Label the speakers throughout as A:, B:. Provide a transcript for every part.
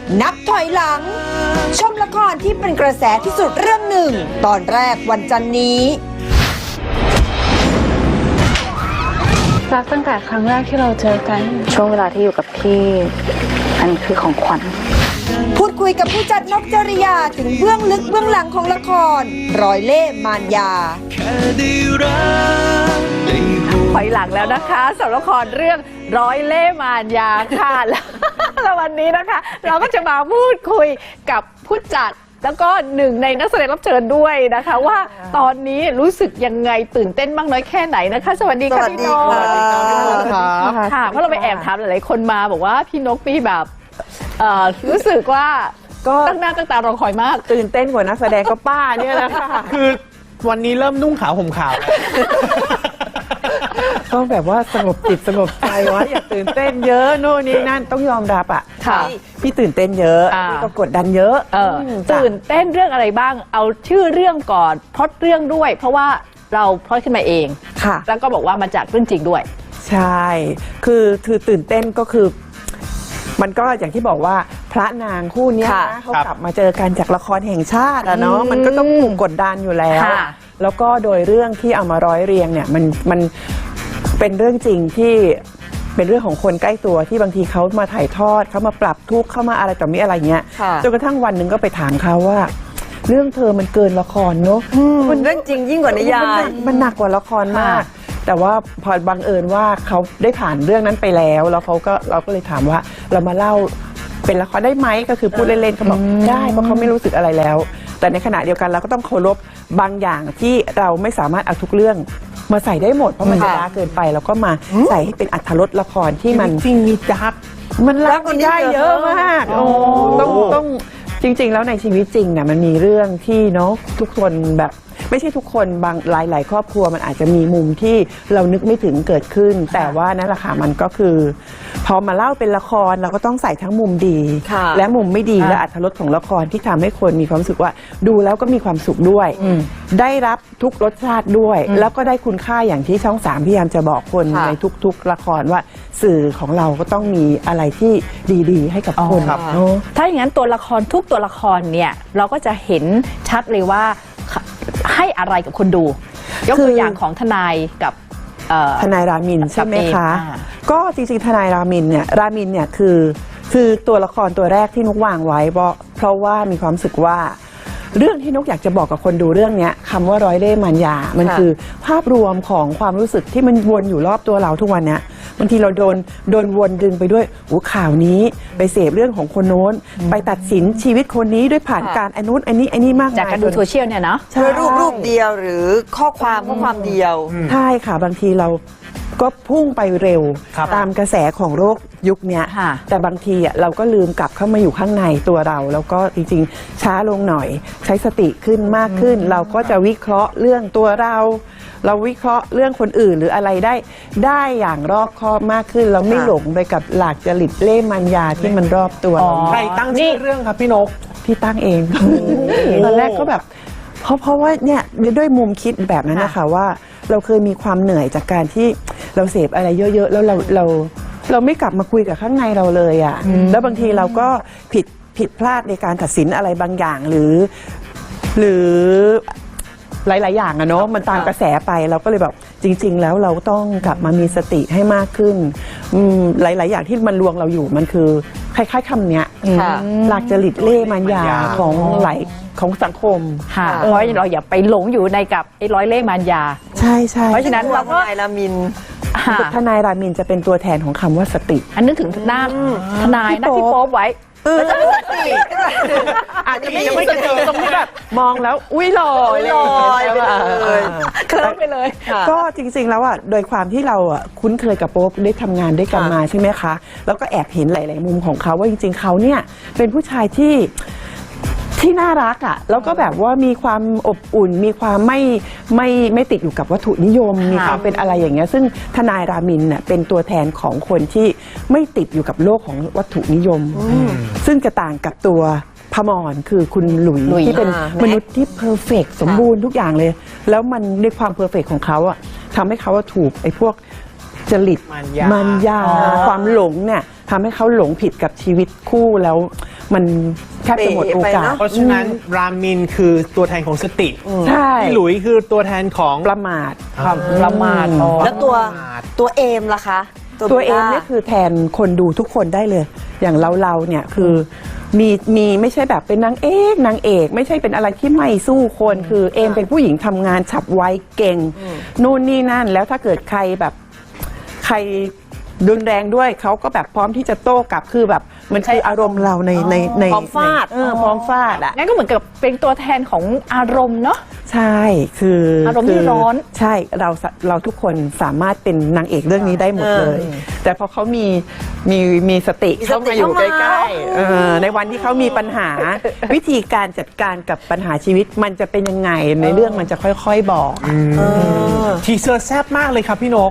A: นับถอยหลังชมละครที่เป็นกระแสที่สุดเรื่องหนึ่งตอนแรกวันจันทร์นี้
B: รักตั้งแต่ครั้งแรกที่เราเจอกัน
C: ช่วงเวลาที่อยู่กับพี่อันคือของขวัญ
A: พูดคุยกับผู้จัดนกจริยาถึงเบื้องลึกเบื้องหลังของละครร้อยเล่ห์มารยา
D: ถอยหลังแล้วนะคะสำหรับละครเรื่องร้อยเล่ห์มารยาค่ะ แล้ววันนี้นะคะเราก็จะมาพูดคุยกับผู้จัดแล้วก็หนึ่งในนักแสดงรับเชิญด้วยนะคะว่าตอนนี้รู้สึกยังไงตื่นเต้นมากน้อยแค่ไหนนะคะสวัสดีค่ะพี่นกค่ะเพราะเราไปแอบถามหลายๆคนมาบอกว่าพี่นกมีแบบรู้สึกว่าก็ตั้งหน้าตั้งตารอคอยมาก
E: ตื่นเต้นกว่านักแสดงก็ป้าเนี่ยแหละค่ะ
F: คือวันนี้เริ่มนุ่งขาวห่มขาว
E: ต้องแบบว่าสงบจิตสงบใจวะอย่าตื่นเต้นเยอะโน่นนี่นั่นต้องยอมรับอ่ะพี่ตื่นเต้นเยอะพี่ก็กดดันเยอะ
D: ตื่นเต้นเรื่องอะไรบ้างเอาชื่อเรื่องก่อนพล็อตเรื่องด้วยเพราะว่าเราพล็อตขึ้นมาเอง
E: ค่ะ
D: แล้วก็บอกว่ามาจากเรื่องจริงด้วย
E: ใช่คือตื่นเต้นก็คือมันก็อย่างที่บอกว่าพระนางคู่นี้นะเขากลับมาเจอกันจากละครแห่งชาติอะเนาะมันก็ต้องถูกกดดันอยู่แล้วแล้วก็โดยเรื่องที่เอามาร้อยเรียงเนี่ยมันเป็นเรื่องจริงที่เป็นเรื่องของคนใกล้ตัวที่บางทีเขามาถ่ายทอดเขามาปรับทุกข์เข้ามาอะไรต่อมีอะไรเงี้ยจนกระทั่งวันหนึ่งก็ไปถามเขาว่าเรื่องเธอมันเกินละครเนาะ
A: มันเรื่องจริงยิ่งกว่านิยาย
E: มันหนักกว่าละครมากแต่ว่าพอบังเอิญว่าเขาได้ผ่านเรื่องนั้นไปแล้วเราก็เลยถามว่าเรามาเล่าเป็นละครได้ไหมก็คือพูดเล่นๆเขาบอกได้เพราะเขาไม่รู้สึกอะไรแล้วแต่ในขณะเดียวกันเราก็ต้องเคารพบางอย่างที่เราไม่สามารถเอาทุกเรื่องมาใส่ได้หมดเพราะมันจะล้าเกินไปเราก็มาใส่ให้เป็นอรรถรสละครที่มัน
F: จริงมีดัก
E: มันรักกันได้เยอะมากต้องจริงๆแล้วในชีวิตจริงเนี่ยมันมีเรื่องที่เนาะทุกคนแบบไม่ใช่ทุกคนบางหลายครอบครัวมันอาจจะมีมุมที่เรานึกไม่ถึงเกิดขึ้นแต่ว่านั่นแหละค่ะมันก็คือพอมาเล่าเป็นละครเราก็ต้องใส่ทั้งมุมดีและมุมไม่ดีและอรรถรสของละครที่ทำให้คนมีความรู้สึกว่าดูแล้วก็มีความสุขด้วยได้รับทุกรสชาติด้วยแล้วก็ได้คุณค่าอย่างที่ช่อง3พยายามจะบอกคนในทุกๆละครว่าสื่อของเราก็ต้องมีอะไรที่ดีๆให้กับคน
D: ถ้าอย่างนั้นตัวละครทุกตัวละครเนี่ยเราก็จะเห็นชัดเลยว่าให้อะไรกับคนดูยกตัวอย่างของทนายกับ
E: ทนายรามินใช่ไหมคะก็จริงๆทนายรามินเนี่ยคือตัวละครตัวแรกที่นุกวางไว้เพราะว่ามีความรู้สึกว่าเรื่องที่นุกอยากจะบอกกับคนดูเรื่องนี้คำว่าร้อยเล่ห์มารยามันคือภาพรวมของความรู้สึกที่มันวนอยู่รอบตัวเราทุกวันนี้บางทีเราโดนวนดึงไปด้วยข่าวนี้ไปเสพเรื่องของคนโน้นไปตัดสินชีวิตคนนี้ด้วยผ่านการอันนู้นอันนี้มาก
D: จากการดูโซเชียลเนี่ยนะ
A: ด้วยรูปเดียวหรือข้อความเดียว
E: ใช่ค่ะบางทีเราก็พุ่งไปเร็วตามกระแสของโลกยุคนี้แต่บางทีเราก็ลืมกลับเข้ามาอยู่ข้างในตัวเราแล้วก็จริงๆช้าลงหน่อยใช้สติขึ้นมากขึ้นเราก็จะวิเคราะห์เรื่องตัวเราวิเคราะห์เรื่องคนอื่นหรืออะไรได้อย่างรอบคอบมากขึ้นเราไม่หลงไปกับหลากจริตเล่ห์มารยาที่มันรอบตัว
F: ใครตั้งชื่อเรื่องครับพี่นก
E: พี่ตั้งเองตอนแรกก็แบบเพราะว่าเนี่ยด้วยมุมคิดแบบนั้นนะคะว่าเราเคยมีความเหนื่อยจากการที่เราเสพอะไรเยอะๆแล้วเราไม่กลับมาคุยกับข้างในเราเลยอ่ะแล้วบางทีเราก็ผิดพลาดในการตัดสินอะไรบางอย่างหรือหลายๆอย่างอะเนาะมันตามกระแสไปเราก็เลยแบบจริงๆแล้วเราต้องกลับมามีสติให้มากขึ้นหลายๆอย่างที่มันลวงเราอยู่มันคือคล้ายๆคำเนี้ยหลักจริตเล่ห์มารยาของสังคม
D: ค่ะเราอย่าไปหลงอยู่ในกับไอ้ร้อยเล่ห์มารยา
E: ใช่
D: เพราะฉะนั้นเราก็
A: ทนายรามิน
E: จะเป็นตัวแทนของคำว่าสติ
D: อันนึกถึงหน้าทนายนะที่โป๊บไว้
E: อาจจะไม่เจอตรงที่แบบมองแล้วอุ้ยลอย
D: เคลิ้มไปเลย
E: ก็จริงๆแล้วอ่ะโดยความที่เราอ่ะคุ้นเคยกับโป๊ปได้ทำงานด้วยกันมาใช่ไหมคะแล้วก็แอบเห็นหลายๆมุมของเขาว่าจริงๆเขาเนี่ยเป็นผู้ชายที่น่ารักอ่ะแล้วก็แบบว่ามีความอบอุ่นมีความไม่ติดอยู่กับวัตถุนิยมมีความเป็นอะไรอย่างเงี้ยซึ่งทนายรามินเนี่ยเป็นตัวแทนของคนที่ไม่ติดอยู่กับโลกของวัตถุนิยมซึ่งจะต่างกับตัวพมรคือคุณหลุยที่เป็นมนุษย์ที่เพอร์เฟกต์สมบูรณ์ทุกอย่างเลยแล้วมันในความเพอร์เฟกต์ของเขาอ่ะทำให้เขาถูกไอ้พวกจริตมารยาความหลงเนี่ยทำให้เขาหลงผิดกับชีวิตคู่แล้วมันแทบจะหมดโอกาส
F: เพราะฉะนั้นรามินคือตัวแทนของสติ
E: ใช่
F: พี่หลุยคือตัวแทนของ
E: ประมาท
D: ประมาท
A: แล้วตัวเอมล่ะคะ
E: ตัวเอง
A: บลล่า
E: เนี่ยคือแทนคนดูทุกคนได้เลย อย่างเราเนี่ยคือมีไม่ใช่แบบเป็นนางเอกไม่ใช่เป็นอะไรที่ไม่สู้คนคือเอมเป็นผู้หญิงทำงานฉับไวเก่งนู่นนี่นั่นแล้วถ้าเกิดใครแบบใครรุนแรงด้วยเขาก็แบบพร้อมที่จะโต้กลับคือแบบมันคืออารมณ์เราใน
A: พร้อมฟาด
E: พร้อมฟาดอ่ะ
D: งั้นก็เหมือนกับเป็นตัวแทนของอารมณ์เนาะ
E: ใช่คือ
D: อารมณ์ที่ร้อน
E: ใช่เราทุกคนสามารถเป็นนางเอกเรื่องนี้ได้หมดเลย แต่พอเขามีสติเข้ามาอยู่ใกล้ๆในวันที่เขามีปัญหา วิธีการจัดการกับปัญหาชีวิตมันจะเป็นยังไงในเรื่องมันจะค่อยๆบอก
F: ทีเซอร์แซ่บมากเลยครับพี่นก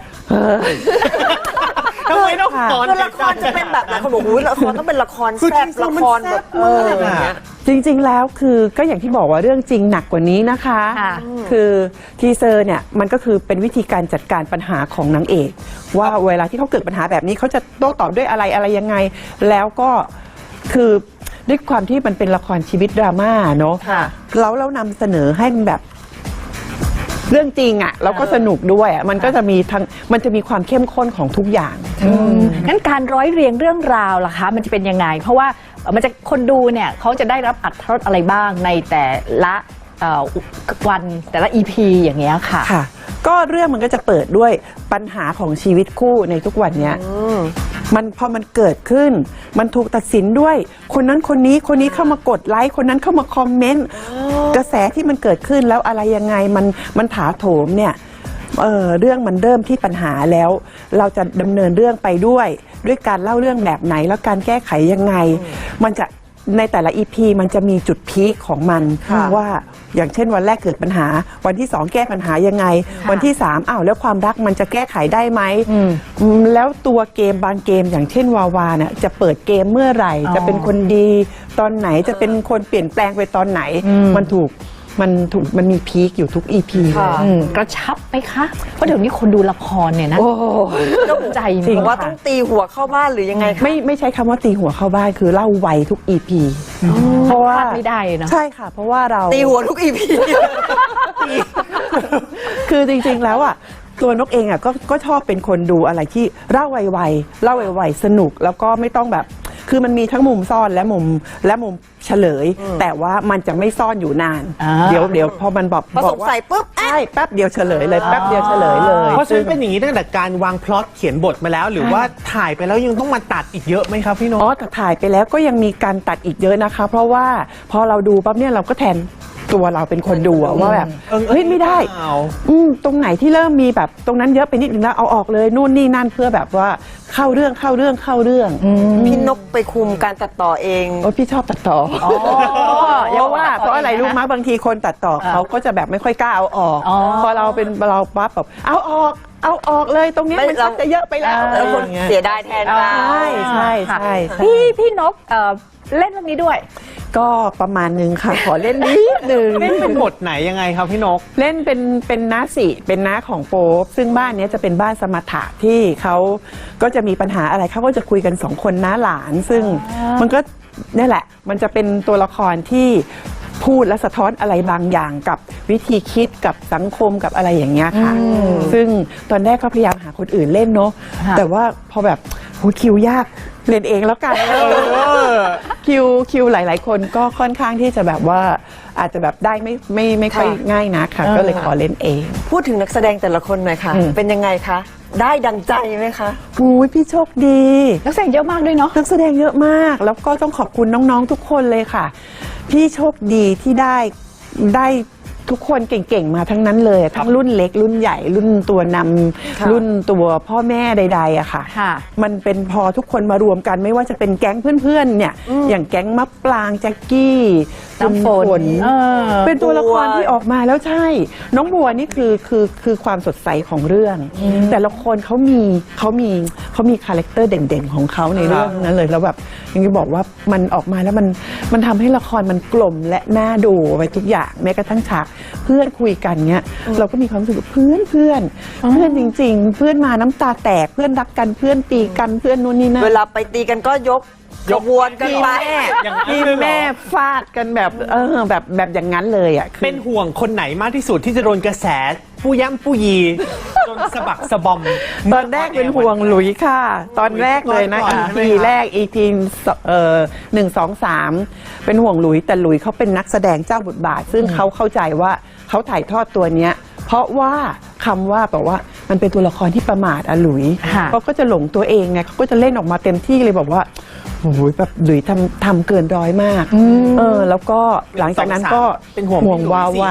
F: ทำไมต้องสอน
A: คือละครจะเป็นแบบไหนคนบอกอุ้ยละครต้องเป็นละครแซ่บละครแบบอย่างเงี้ย
E: จริงๆ แล้วคือก็อย่างที่บอกว่าเรื่องจริงหนักกว่านี้นะคะ
D: ค่ะ
E: คือทีเซอร์เนี่ยมันก็คือเป็นวิธีการจัดการปัญหาของนางเอก ว่าเวลาที่เขาเกิดปัญหาแบบนี้เขาจะโต้ตอบด้วยอะไรยังไง แล้วก็คือด้วยความที่มันเป็นละครชีวิตดราม่าเนาะเรานำเสนอให้มันแบบเรื่องจริงอ่ะแล้วก็สนุกด้วยอ่ะมันก็จะมีความเข้มข้นของทุกอย่าง
D: งั้นการร้อยเรียงเรื่องราวล่ะคะมันจะเป็นยังไง เพราะว่ามันจะคนดูเนี่ยเขาจะได้รับอรรถรสอะไรบ้างในแต่ละวันแต่ละ EP อย่างเงี้ยค่ะ
E: ค่ะ ก็เรื่องมันก็จะเปิดด้วยปัญหาของชีวิตคู่ในทุกวันเนี้ยพอมันเกิดขึ้น มันถูกตัดสินด้วยคนนั้นคนนี้เข้ามากดไลค์คนนั้นเข้ามาคอมเมนต์กระแสที่มันเกิดขึ้นแล้วอะไรยังไงมันถาโถมเนี่ยเรื่องมันเริ่มที่ปัญหาแล้ว เราจะดำเนินเรื่องไปด้วยการเล่าเรื่องแบบไหนแล้วการแก้ไขยังไง มันจะในแต่ละ EP มันจะมีจุดพีคของมันว่าอย่างเช่นวันแรกเกิดปัญหาวันที่2แก้ปัญหายังไงวันที่3แล้วความรักมันจะแก้ไขได้ไหมแล้วตัวเกมบางเกมอย่างเช่นวาวาเนี่ยจะเปิดเกมเมื่อไหร่จะเป็นคนดีตอนไหนจะเป็นคนเปลี่ยนแปลงไปตอนไหนมันมีพีคอยู่ทุก EP
D: กระชับไหมคะ เพราะเดี๋ยวนี้คนดูละครเนี่ยนะใจ
E: จริง
A: ว่าต้องตีหัวเข้าบ้านหรือยังไงคะ
E: ไม่ใช้คำว่าตีหัวเข้าบ้านคือเล่าไวทุก EP เพราะว่า
D: พลาดไม่ได้เนาะ
E: ใช่ค่ะ เพราะว่าเรา
A: ตีหัวทุก EP
E: คือจริงๆแล้วอ่ะตัวนกเองอ่ะก็ชอบเป็นคนดูอะไรที่เล่าไวๆสนุกแล้วก็ไม่ต้องแบบคือมันมีทั้งมุมซ่อนและมุมเฉลย แต่ว่ามันจะไม่ซ่อนอยู่นานเดี๋ยวพอมันบอก
A: พอสงสัยปุ๊บ
E: ใช่แป๊บเดียวเฉลยเลยแป๊บเดียวเฉลยเลย
F: เพราะฉะนั้นเป็นอย่างนี้ตั้งแต่การวางพล็อตเขียนบทมาแล้ว หรือว่าถ่ายไปแล้วยังต้องมาตัดอีกเยอะไหมครับพี่นก
E: แต่ถ่ายไปแล้วก็ยังมีการตัดอีกเยอะนะคะ เพราะว่าพอเราดูปั๊บเนี่ยเราก็แทนตัวเราเป็นคนดูว่าแบบเฮ้ยไม่ได้ตรงไหนที่เริ่มมีแบบตรงนั้นเยอะไปนิดนึงแล้วเอาออกเลยนู่นนี่นั่นเพื่อแบบว่าเข้าเรื่อง
A: พี่นกไปคุมการตัดต่อเอง
E: พี่ชอบตัดต่อเพราะอะไรรู้มั้ยบางทีคนตัดต่อเขาก็จะแบบไม่ค่อยกล้าเอาออกพอเราเป็นเราปั๊บแบบเอาออกเลยตรงนี้มันชักจะเยอะไปแล้ว
A: แล้วคนเสียดายแทนเรา
E: ใช่
D: พี่นกเล่นเรื่องนี้ด้วย
E: ก็ประมาณนึงค่ะขอเล่นนิดนึง
F: เล่นเป็นบทไหนยังไงครับพี่นก
E: เล่นเป็นน้าสิเป็นน้าของโป๊ปซึ่งบ้านนี้จะเป็นบ้านสมถะที่เขาก็จะมีปัญหาอะไรเขาก็จะคุยกัน2คนน้าหลานซึ่งมันก็นี่แหละมันจะเป็นตัวละครที่พูดและสะท้อนอะไรบางอย่างกับวิธีคิดกับสังคมกับอะไรอย่างเงี้ยค่ะซึ่งตอนแรกก็พยายามหาคนอื่นเล่นเนาะแต่ว่าพอแบบคิวยากเล่นเองแล้วกันคิวหลายๆคนก็ค่อนข้างที่จะแบบว่าอาจจะแบบได้ไม่ค่อยง่ายนักค่ะก็เลยขอเล่นเอง
A: พูดถึงนักแสดงแต่ละคนหน่อยค่ะ เป็นยังไงคะ ได้ดังใจไหมคะ
E: พี่โชคดี
D: นักแสดงเยอะมากด้วยเนาะ
E: นักแสดงเยอะมากแล้วก็ต้องขอบคุณน้องๆทุกคนเลยค่ะ พี่โชคดีที่ได้ทุกคนเก่งๆมาทั้งนั้นเลยทั้งรุ่นเล็กรุ่นใหญ่รุ่นตัวนำรุ่นตัวพ่อแม่ใดๆอะค่ะมันเป็นพอทุกคนมารวมกันไม่ว่าจะเป็นแก๊งเพื่อนๆเนี่ยอย่างแก๊งมะปรางแจ็คกี้น้ำฝนเป็นตัวละครที่ออกมาแล้วใช่น้องบัวนี่คือความสดใสของเรื่องแต่ละคนเขามีคาแรคเตอร์เด่นๆของเขาในเรื่องนั้นเลยแล้วแบบอย่างที่บอกว่ามันออกมาแล้วมันทำให้ละครมันกลมและน่าดูไปทุกอย่างแม้กระทั่งฉากเพื่อนคุยกันเนี้ยเราก็มีความรู้สึกเพื่อนจริงๆเพื่อนมาน้ำตาแตกเพื่อนรักกันเพื่อนตีกันเพื่อนนู่นนี่นั่น
A: เวลาไปตีกันก็ยกขบวนกันไป
F: อย่างนั้น
E: ทีม
F: เลยเหรอ
E: แม่ฟาดกันแบบแบบอย่างนั้นเลยอ่ะคือ
F: เป็นห่วงคนไหนมากที่สุดที่จะโดนกระแสผู้ย่ำผู้ยีจนสะบักสะบอม
E: ตอนแรกเป็นห่วงหลุยค่ะ ตอนแรกเลยนะ
F: ก่อนใช่ไหม
E: EP
F: ครับ
E: แรก EP 1 2 3 เป็นห่วงหลุยแต่หลุยเขาเป็นนักแสดงเจ้าบทบาท ซึ่งเขาเข้าใจว่าเขาถ่ายทอดตัวเนี้ย เพราะว่าคำว่าแบบว่ามันเป็นตัวละครที่ประมาทอะหลุย
D: ค่ะ
E: เขาก็จะหลงตัวเองไงเขาก็จะเล่นออกมาเต็มที่เลยบอกว่าโอ้โหแบบหลุยทำเกินร้อยมากแล้วก็หลังจากนั้นก็
F: เป็นห่วง
E: ห่วงวาวา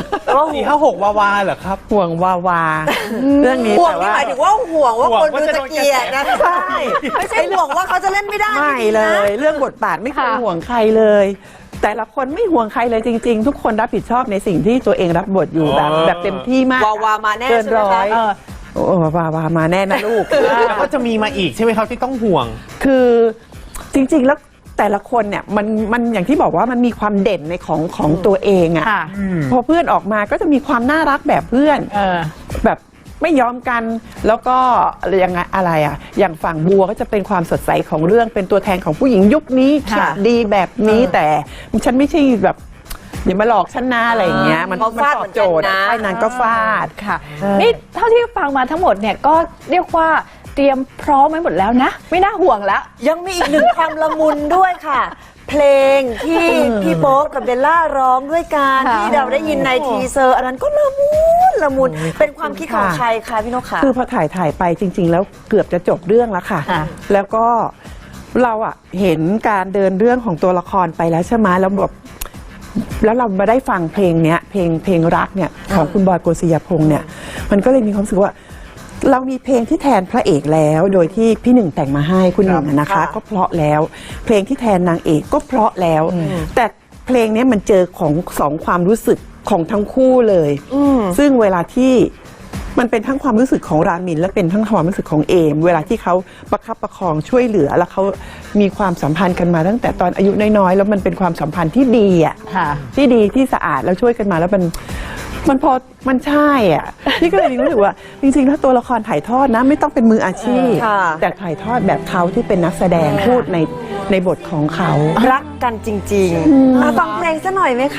F: 4-5-6วาวาเหรอครับ
E: ห่วงวาวา เรื่องนี้
A: ห่วง
E: แต่
A: นี่
E: ว่า
A: หมายถึงว่าห่วงว่า
F: ห่วง
A: คน
F: ว่า
A: ดู
F: จะ
A: จะ
F: โดน
A: เกลียดนะ
F: กระแส
A: ใช่ไม่ใช่ห่วงว่าเขาจะเล่นไม่ได้
E: ไม่
A: จริงๆ
E: เล
A: นะ
E: ย เรื่องบทบาทไม่เคย
D: ค่ะ
E: ห่วงใครเลย แต่ละคนไม่ห่วงใครเลยจริง ๆ ทุกคนรับผิดชอบในสิ่งที่ตัวเองรับบทอยู่แบบเต็มที่มาก
A: วาวามาแน่
E: เกิน
A: ใช่ไหม
E: ร้
A: คะ
E: อยโอ้วาวามาแน่นะลูก
F: แล้วก็จะมีมาอีกใช่ไหมครับที่ต้องห่วง
E: คือจริง ๆ แล้วแต่ละคนเนี่ยมันอย่างที่บอกว่ามันมีความเด่นในของตัวเองอะ
D: ค่ะ
E: พอเพื่อนออกมาก็จะมีความน่ารักแบบเพื่อน แบบไม่ยอมกันแล้วก็ยังไงอะไรอ่ะอย่างฝั่งบัวก็จะเป็นความสดใสของเรื่องเป็นตัวแทนของผู้หญิงยุคนี้
D: ค่ะ
E: ดีแบบนี้แต่ฉันไม่ใช่แบบอย่ามาหลอกฉันนะอะไรอย่างเงี้ยมัน
A: เขาฟาด
E: ตอบโจทย์
A: เหมือนกันนะ
E: ไอ้นางก็ฟาด
D: ค่ะ นี่เท่าที่ฟังมาทั้งหมดเนี่ยก็เรียกว่าเตรียมพร้อมไว้หมดแล้วนะ ไม่น่าห่วงแล้ว
A: ยังมีอีกหนึ่งความละมุนด้วยค่ะ เพลงที่พี่โป๊ปกับเบลล่าร้องด้วยกัน
D: ค่ะ
A: ที่เราได้ยินในทีเซอร์ อันนั้นก็ละมุนเป็นความคิดของใครคะพี่นกคะ
E: คือพอถ่ายไปจริง ๆ แล้วเกือบจะจบเรื่องแล้วค่ะ
D: ค่ะ
E: แล้วก็เราอะเห็นการเดินเรื่องของตัวละครไปแล้วใช่ไหมแล้วแบบแล้วเรามาได้ฟังเพลงเนี้ยเพลงรักเนี่ยของคุณบอยโกสิยพงษ์เนี่ยมันก็เลยมีความรู้สึกว่า เรามีเพลงที่แทนพระเอกแล้วโดยที่พี่หนึ่งแต่งมาให้คุณหนึ่งอะนะคะ ก็เพราะแล้ว เพลงที่แทนนางเอกก็เพราะแล้ว แต่เพลงเนี้ยมันเจอของสองความรู้สึกของทั้งคู่เลยซึ่งเวลาที่มันเป็นทั้งความรู้สึกของรามินและเป็นทั้งความรู้สึกของเอม เวลาที่เขาประคับประคองช่วยเหลือแล้วเขามีความสัมพันธ์กันมาตั้งแต่ตอนอายุน้อยๆแล้วมันเป็นความสัมพันธ์ที่ดีอ่ะ
D: ค่ะ
E: ที่ดีที่สะอาดแล้วช่วยกันมาแล้วมันพอมันใช่อ่ะ พี่ก็เลยรู้สึกว่าจริงๆถ้าตัวละครถ่ายทอดนะไม่ต้องเป็นมืออาชีพ
A: ค่ะ
E: แต่ถ่ายทอดแบบเขาที่เป็นนักแสดงพูดในบทของเขา
A: รักกันจริงๆมาฟังเพลงซะหน่อยไหมคะ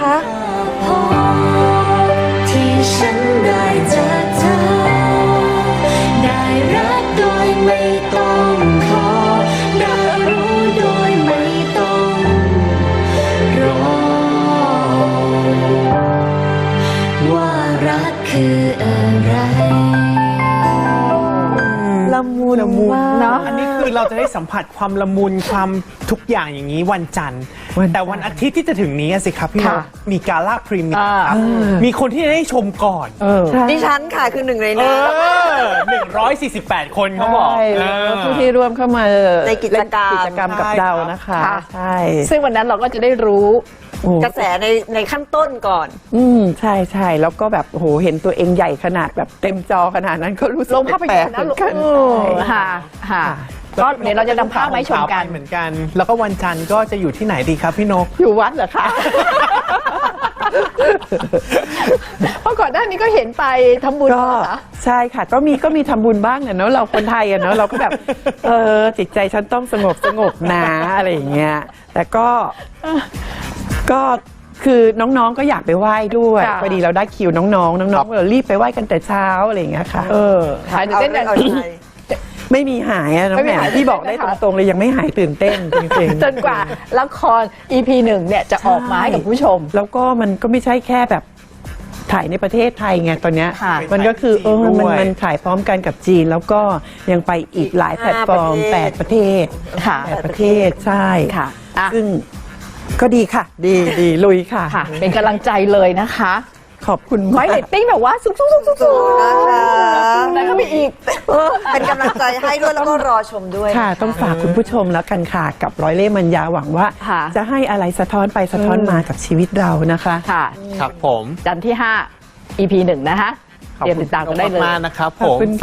G: ที่ฉันได้เจอเธอ ได้รักโดยไม่ต้องขอ ได้รู้โดยไม่ต้องรอ ว่ารักคืออะไร
A: ละมุนมาก
D: เนาะ
F: อันนี้คือเราจะได้สัมผัสความละมุนความทุกอย่างอย่างนี้วันจันทร์ แต่วันอาทิตย์ที่จะถึงนี้สิครับพี่น
D: ค่ะ
F: กมีกาล่าพรีเมียร์ครับมีคนที่จะได้ชมก่อน
A: ดิฉันค่ะคือหนึ่งในนั้น
F: 148 คนเขาบอก
E: ใช่ผู้ที่ร่วมเข้ามา
A: ในกิจกรรม
E: เล่นกิจกรรมกับเรานะคะ
D: ค่ะ
E: ใช่
D: ซึ่งวันนั้นเราก็จะได้รู้
E: โอ้
A: กระแสในขั้นต้นก่อน
E: ใช่ใช่แล้วก็แบบโอ้โหเห็นตัวเองใหญ่ขนาดแบบเต็มจอขนาดนั้นก็รู้สึก
D: ลงภาพยนตร์
E: แปล
D: นะ
E: กๆเหมือนกัน
D: ค่ะค่ะก็เดี๋ยวเราจะนำภาพมาให้ชมกัน
F: เหมือนกัน แล้วก็วันจันทร์ก็จะอยู่ที่ไหนดีครับพี่นก
E: อยู่วัดเหรอคะ
D: เพราะก่อนหน้านี้ก็เห็นไปทำบุญ
E: ก็
D: เหรอ
E: ใช่ค่ะ ก็มีทำบุญบ้างเนอะเราคนไทยอะเนอะเราก็แบบจิตใจฉันต้องสงบนะอะไรอย่างเงี้ยแต่ก็คือน้องๆก็อยากไปไหว้ด้วย
D: ค่ะ
E: พอดีเราได้คิวน้องๆก็รีบไปไหว้กันแต่เช้าอะไรอย่างเงี้ยค่ะ
D: หายตื่นเต้นกัน
A: เอาใจ
E: ไม่มีหายอะน้อง
D: ไม่
E: แห
D: มี
E: ม่
D: หาย
E: ที่บอกได้
D: ใช่ไหมคะ
E: ตรงๆเลยยังไม่หายตื่นเต้นจริงๆ
D: จนกว่าละคร EP 1เนี่ยจะออกมาให้กับผู้ชม
E: แล้วก็มันก็ไม่ใช่แค่แบบถ่ายในประเทศไทยไงตอนเนี้ย
D: ค่ะ
E: มันก็คือ
F: ไปจีนด้วย
E: มันถ่ายพร้อมกันกับจีน แล้วก็ยังไปอีกหลายแพลตฟอร์ม 8 ประเทศ
D: ค่ะ
E: 8 ประเทศใช่
D: ค่ะอ่ะ
E: ซึ่งก็ดีค่ะ ดีลุยค่ะ
D: ค่ะ เป็นกำลังใจเลยนะคะ
E: ขอบคุณ
D: ไว้
E: มาก
D: เรตติ้งแบบว่าสูงๆ
A: นะคะ
D: แล้วก็มีอีก
A: เป็นกำลังใจให้ด้วยแล้วก็รอชมด้วย
E: ค่ะ ต้องฝากคุณผู้ชมแล้วกันค่ะ กับร้อยเล่ห์มัญญาหวังว่า
D: ค่ะ
E: จะให้อะไรสะท้อนไปสะท้อนมากับชีวิตเรานะคะ
D: ค่ะ
F: ครับผม
D: จันทร์ที่ 5 EP 1 นะคะ
F: ขอบ
D: เตรียม
F: คุ
D: ติ
F: ณ
D: ดตามกันได้เลย
F: มากๆนะครับ
E: ขอบ
F: ผม
E: คุณ